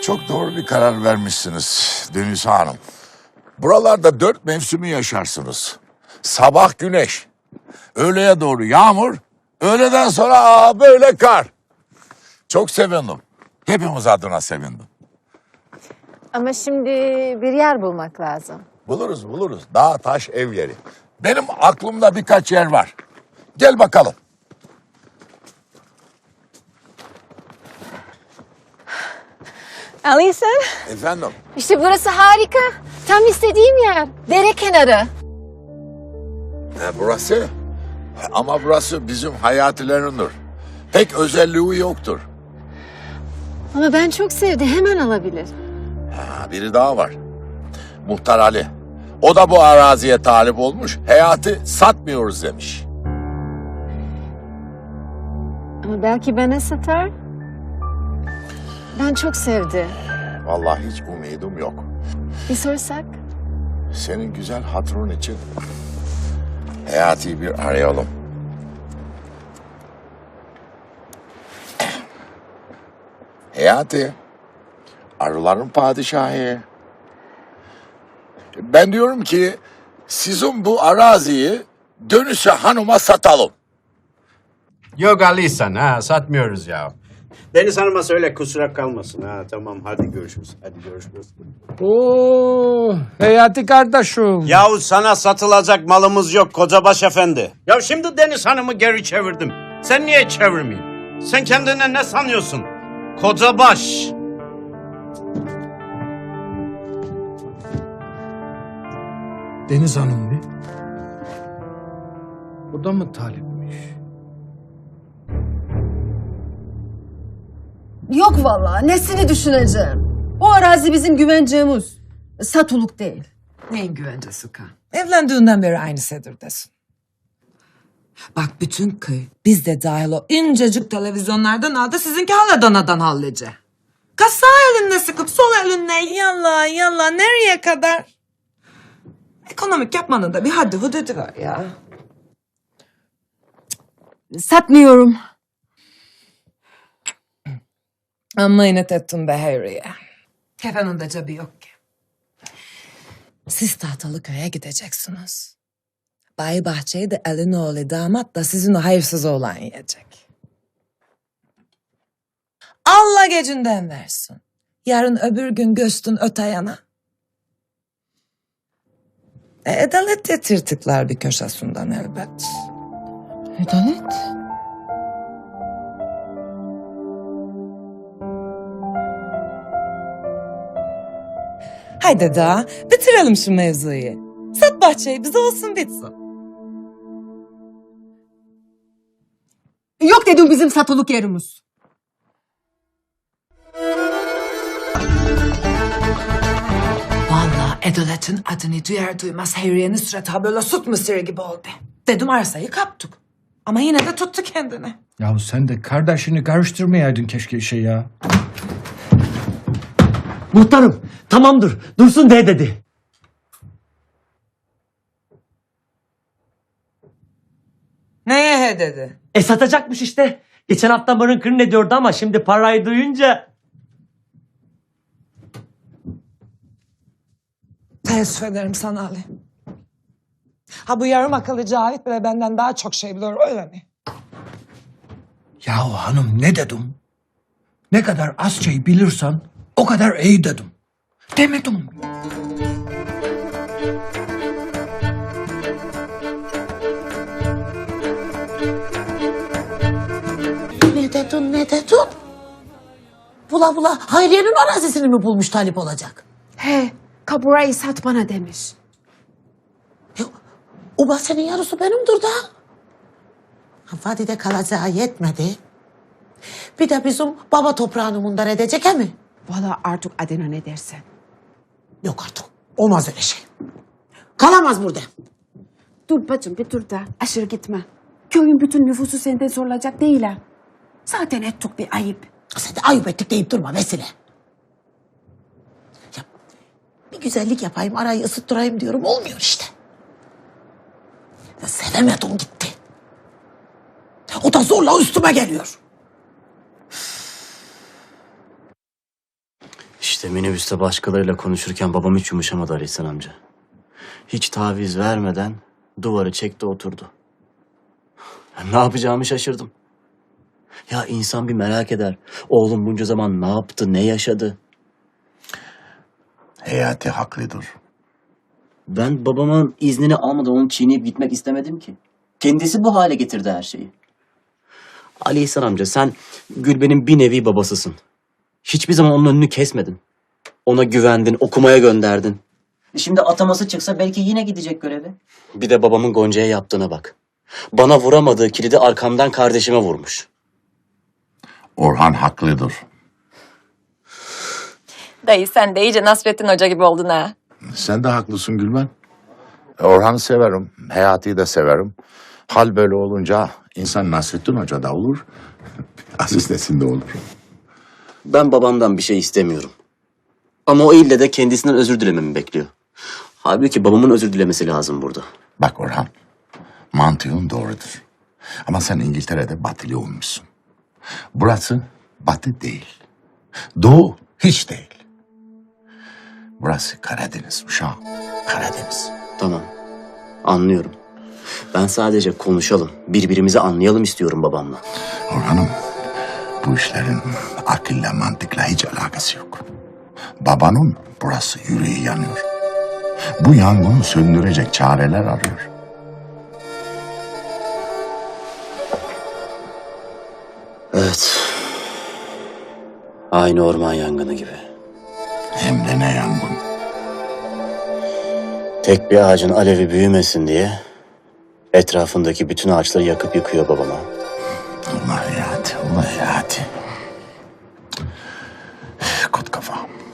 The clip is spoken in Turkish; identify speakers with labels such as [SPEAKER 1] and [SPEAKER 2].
[SPEAKER 1] Çok doğru bir karar vermişsiniz Deniz Hanım. Buralarda 4 mevsimi yaşarsınız. Sabah güneş, öğleye doğru yağmur, öğleden sonra böyle kar. Çok sevindim. Hepimiz adına sevindim.
[SPEAKER 2] Ama şimdi bir yer bulmak lazım.
[SPEAKER 1] Buluruz. Dağ, taş, ev yeri. Benim aklımda birkaç yer var. Gel bakalım.
[SPEAKER 2] Alisa,
[SPEAKER 1] Efendim?
[SPEAKER 2] işte burası harika. Tam istediğim yer. Dere kenarı.
[SPEAKER 1] Burası? Ama burası bizim hayatilerimdir. Pek özelliği yoktur.
[SPEAKER 2] Ama ben çok sevdim. Hemen alabilir.
[SPEAKER 1] Biri daha var. Muhtar Ali. O da bu araziye talip olmuş. Hayatı satmıyoruz demiş.
[SPEAKER 2] Ama belki bana satar. Ben çok sevdim.
[SPEAKER 1] Vallahi hiç umudum yok.
[SPEAKER 2] Bir sorsak?
[SPEAKER 1] Senin güzel hatırın için Hayati'yi bir arayalım. Hayati, arıların padişahı. Ben diyorum ki sizin bu araziyi Dönüşe Hanım'a satalım.
[SPEAKER 3] Yok Alisan ha satmıyoruz ya. Deniz Hanım'a söyle kusura kalmasın ha tamam hadi görüşürüz.
[SPEAKER 4] Oo, Hayati kardeşim.
[SPEAKER 3] Yahu sana satılacak malımız yok Kocabaş Efendi. Ya şimdi Deniz Hanım'ı geri çevirdim. Sen niye çevirmeyeyim? Sen kendine ne sanıyorsun? Kocabaş.
[SPEAKER 4] Deniz Hanım mı? Bu da mı talipmiş?
[SPEAKER 5] Yok vallahi nesini düşüneceğim. O arazi bizim güvencemiz. Satılık değil.
[SPEAKER 6] Neyin güvencesi kan? Evlendiğinden beri aynı Sedir'desin. Bak bütün köy biz de dahil o incecik televizyonlardan aldı sizinki hala danadan hallice. Kız sağ elinle sıkıp sol elinle yalla nereye kadar? Ekonomik yapmanın da bir haddi hududu var ya.
[SPEAKER 5] Satmıyorum.
[SPEAKER 6] Amma inat ettin be Harry'e. Kefenin de cebi yok ki. Siz tahtalı köye gideceksiniz. Bay Bahçe'yi de elin oğlu damat da sizin o hayırsız oğlan yiyecek. Allah gecinden versin. Yarın öbür gün göçtün öte yana. Edalet de tırtıklar bir köşesinden elbet.
[SPEAKER 5] Edalet?
[SPEAKER 6] Haydi daha bitirelim şu mevzuyu. Sat bahçeyi bize olsun bitsin.
[SPEAKER 5] Yok dedim bizim satılık yerimiz.
[SPEAKER 6] Vallahi Edalet'in adını duyar duymaz Harry'e Nusret ha böyle süt mısırı gibi oldu. Dedim arsayı kaptık. Ama yine de tuttu kendini.
[SPEAKER 4] Yahu sen de kardeşini karıştırmayaydın keşke işe ya.
[SPEAKER 7] Muhtarım tamamdır dursun de dedi.
[SPEAKER 6] Neye he dedi?
[SPEAKER 7] Satacakmış işte. Geçen hafta mırın kırın ediyordu ama şimdi parayı duyunca.
[SPEAKER 6] Teessüf ederim sana Ali. Ha bu yarım akıllı Cavit bile benden daha çok şey biliyor öyle mi?
[SPEAKER 4] Yahu hanım ne dedim? Ne kadar az şey bilirsen o kadar iyi dedim. Demedim mi?
[SPEAKER 8] Ne dedin? Bula bula Hayriye'nin arazisini mi bulmuş talip olacak?
[SPEAKER 5] He, kaburayı sat bana demiş.
[SPEAKER 8] O bahçenin yarısı benimdir da. Vadide kalacağı yetmedi. Bir de bizim baba toprağını mundar edecek he mi?
[SPEAKER 5] Vallahi artık adına ne dersen.
[SPEAKER 8] Yok artık. Olmaz öyle şey. Kalamaz burada.
[SPEAKER 5] Dur bacım bir dur da aşırı gitme. Köyün bütün nüfusu senden sorulacak değil ha. Zaten ettik bir ayıp.
[SPEAKER 8] Sen de ayıp ettik deyip durma Vesile. Ya, bir güzellik yapayım arayı ısıttırayım diyorum olmuyor işte. Ya, sevemedim gitti. O da zorla üstüme geliyor.
[SPEAKER 9] İşte minibüste başkalarıyla konuşurken babam hiç yumuşamadı Ali İhsan amca. Hiç taviz vermeden duvarı çekti oturdu. Ne yapacağımı şaşırdım. Ya insan bir merak eder. Oğlum bunca zaman ne yaptı, ne yaşadı?
[SPEAKER 1] Hayati haklıdır.
[SPEAKER 9] Ben babamın iznini almadan onu çiğneyip gitmek istemedim ki. Kendisi bu hale getirdi her şeyi. Ali İhsan amca sen Gülben'in bir nevi babasısın. Hiçbir zaman onun önünü kesmedin. Ona güvendin, okumaya gönderdin. Şimdi ataması çıksa belki yine gidecek göreve. Bir de babamın Gonca'ya yaptığına bak. Bana vuramadığı kilidi arkamdan kardeşime vurmuş.
[SPEAKER 1] Orhan haklıdır.
[SPEAKER 2] Dayı sen de iyice Nasrettin Hoca gibi oldun ha.
[SPEAKER 1] Sen de haklısın Gülben. Orhan'ı severim, Hayati'yi de severim. Hal böyle olunca insan Nasrettin Hoca da olur, Aziz Nesin de olur.
[SPEAKER 9] Ben babamdan bir şey istemiyorum. Ama o ille de kendisinden özür dilememi bekliyor. Halbuki babamın özür dilemesi lazım burada.
[SPEAKER 1] Bak Orhan, mantığın doğrudur. Ama sen İngiltere'de batılı olmuşsun. Burası batı değil. Doğu hiç değil. Burası Karadeniz uşağım, Karadeniz.
[SPEAKER 9] Tamam, anlıyorum. Ben sadece konuşalım, birbirimizi anlayalım istiyorum babamla.
[SPEAKER 1] Orhan'ım, bu işlerin akılla mantıkla hiç alakası yok. Babanın burası yüreği yanıyor. Bu yangını söndürecek çareler arıyor.
[SPEAKER 9] Evet. Aynı orman yangını gibi.
[SPEAKER 1] Hem de ne yangın.
[SPEAKER 9] Tek bir ağacın alevi büyümesin diye etrafındaki bütün ağaçları yakıp yıkıyor babama.
[SPEAKER 1] Allah hayati, Allah hayati. Kut kafa.